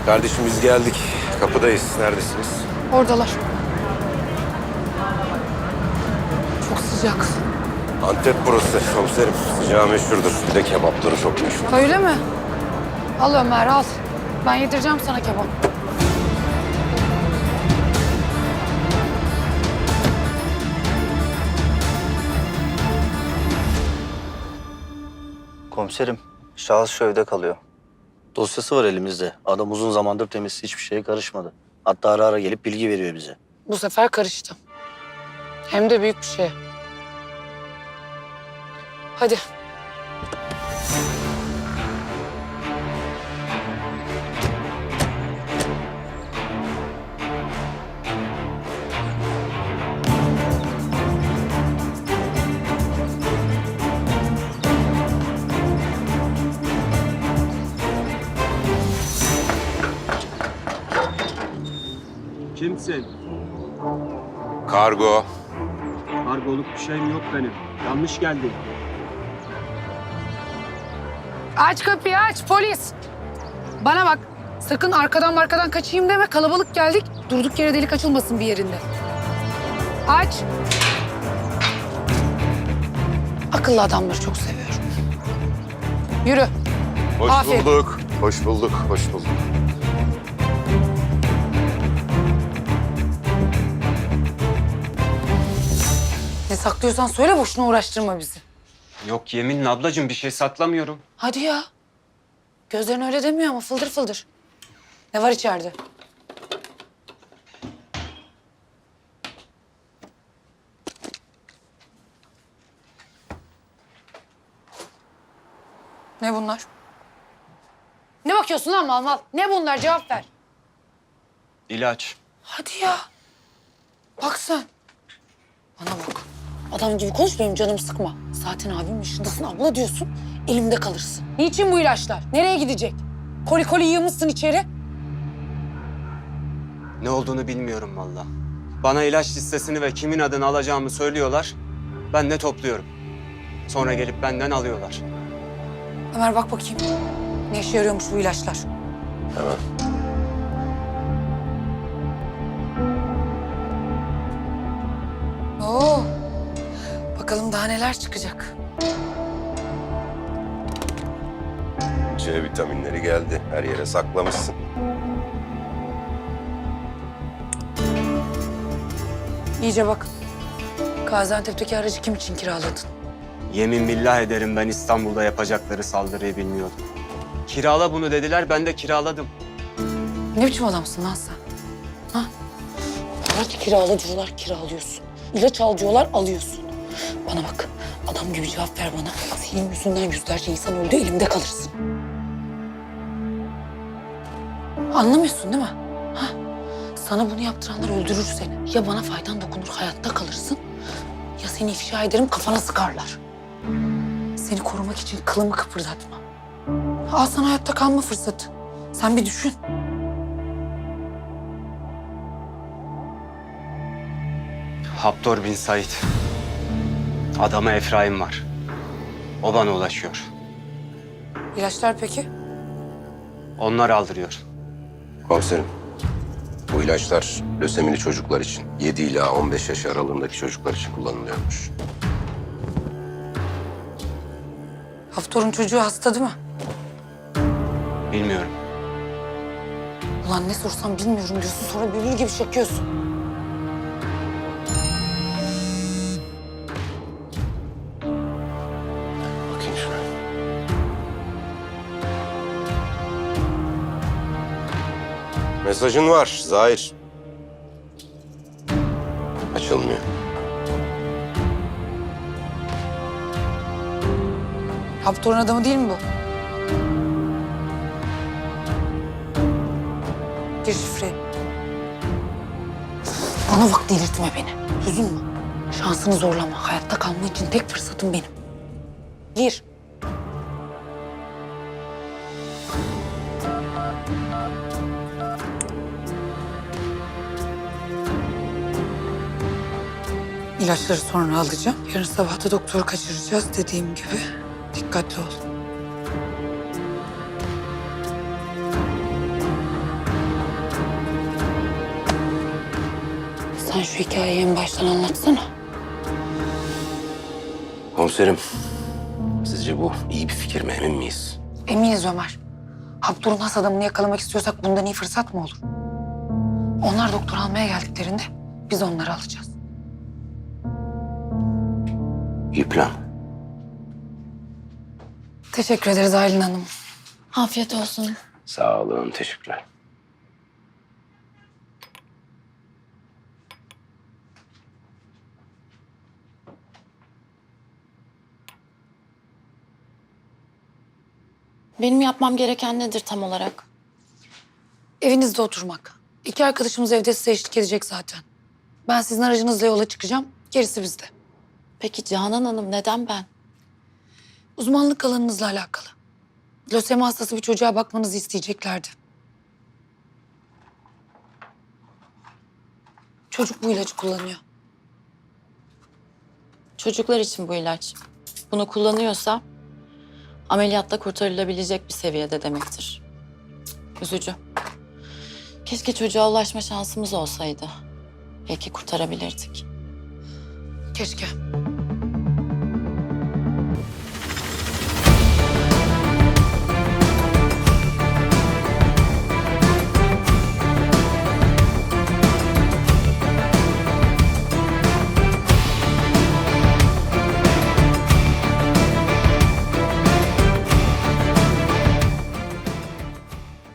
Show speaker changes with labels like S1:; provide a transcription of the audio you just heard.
S1: Kardeşim biz geldik. Kapıdayız. Neredesiniz?
S2: Oradalar. Çok sıcak.
S1: Antep burası komiserim. Sıcağı meşhurdur. Bir de kebapları çok meşhur.
S2: Öyle mi? Al Ömer al. Ben yedireceğim sana kebap.
S3: Komiserim, şahıs şu evde kalıyor.
S4: Dosyası var elimizde. Adam uzun zamandır temiz, hiçbir şeye karışmadı. Hatta ara ara gelip bilgi veriyor bize.
S2: Bu sefer karıştı. Hem de büyük bir şey. Hadi.
S5: Kimsin?
S1: Kargo.
S5: Kargoluk bir şeyim yok benim. Yanlış geldin.
S2: Aç kapıyı aç polis. Bana bak. Sakın arkadan kaçayım deme. Kalabalık geldik. Durduk yere delik açılmasın bir yerinde. Aç. Akıllı adamları çok seviyorum. Yürü.
S1: Hoş
S2: Aferin.
S1: bulduk. Hoş bulduk. Hoş bulduk.
S2: Ne saklıyorsan söyle, boşuna uğraştırma bizi.
S5: Yok yeminle ablacığım bir şey saklamıyorum.
S2: Hadi ya. Gözlerin öyle demiyor ama fıldır fıldır. Ne var içeride? Ne bunlar? Ne bakıyorsun lan mal mal? Ne bunlar? Cevap ver.
S5: İlaç.
S2: Hadi ya. Bak sen. Bana bak. Adam gibi konuş, benim canımı sıkma. Zaten abimin yaşındasın, abla diyorsun. Elimde kalırsın. Niçin bu ilaçlar? Nereye gidecek? Koli koli yığmışsın içeri.
S5: Ne olduğunu bilmiyorum valla. Bana ilaç listesini ve kimin adını alacağımı söylüyorlar. Ben de topluyorum. Sonra gelip benden alıyorlar.
S2: Ömer bak bakayım. Ne işe yarıyormuş bu ilaçlar?
S1: Hemen.
S2: Oo. Bakalım daha neler çıkacak.
S1: C vitaminleri geldi. Her yere saklamışsın.
S2: İyice bak. Gaziantep'teki aracı kim için kiraladın?
S5: Yemin billah ederim ben İstanbul'da yapacakları saldırıyı bilmiyordum. Kirala bunu dediler, ben de kiraladım.
S2: Ne biçim adamsın lan sen? Ha? Araç kirala diyorlar, kiralıyorsun. İlaç al diyorlar, alıyorsun. Bana bak, adam gibi cevap ver bana. Senin yüzünden yüzlerce insan öldü, elimde kalırsın. Anlamıyorsun değil mi? Ha? Sana bunu yaptıranlar öldürür seni. Ya bana faydan dokunur, hayatta kalırsın. Ya seni ifşa ederim, kafana sıkarlar. Seni korumak için kılımı kıpırdatma. Al sana hayatta kalma fırsatı. Sen bir düşün.
S5: Haptor bin Said. Adama Efraim var. O bana ulaşıyor.
S2: İlaçlar peki?
S5: Onlar aldırıyor.
S1: Komiserim. Bu ilaçlar lösemili çocuklar için, 7 ila 15 yaş aralığındaki çocuklar için kullanılıyormuş.
S2: Haftor'un çocuğu hasta değil mi?
S5: Bilmiyorum.
S2: Ulan ne sorsam bilmiyorum diyorsun, sonra bülbül gibi çekiyorsun.
S1: Bakayım şuna. Mesajın var Zahir. Açılmıyor.
S2: Haftor'un adamı değil mi bu? Gir şifreyi. Bana bak, delirtme beni. Duydun mu? Şansını zorlama. Hayatta kalma için tek fırsatım benim. Gir. İlaçları sonra alacağım. Yarın sabah da doktoru kaçıracağız dediğim gibi. Dikkatli ol. Sen şu hikayeyi en baştan anlatsana.
S1: Komiserim, sizce bu iyi bir fikir mi, emin miyiz?
S2: Eminiz Ömer. Abdur'un has adamını yakalamak istiyorsak bundan iyi fırsat mı olur? Onlar doktor almaya geldiklerinde biz onları alacağız.
S1: İyi plan.
S2: Teşekkür ederiz Aylin Hanım.
S6: Afiyet olsun.
S1: Sağ olun, teşekkürler.
S6: Benim yapmam gereken nedir tam olarak?
S2: Evinizde oturmak. 2 arkadaşımız evde size eşlik edecek zaten. Ben sizin aracınızla yola çıkacağım. Gerisi bizde.
S6: Peki Canan Hanım neden ben?
S2: Uzmanlık alanınızla alakalı. Lösemi hastası bir çocuğa bakmanızı isteyeceklerdi. Çocuk bu ilacı kullanıyor.
S6: Çocuklar için bu ilaç. Bunu kullanıyorsa ameliyatla kurtarılabilecek bir seviyede demektir. Üzücü. Keşke çocuğa ulaşma şansımız olsaydı. Belki kurtarabilirdik.
S2: Keşke.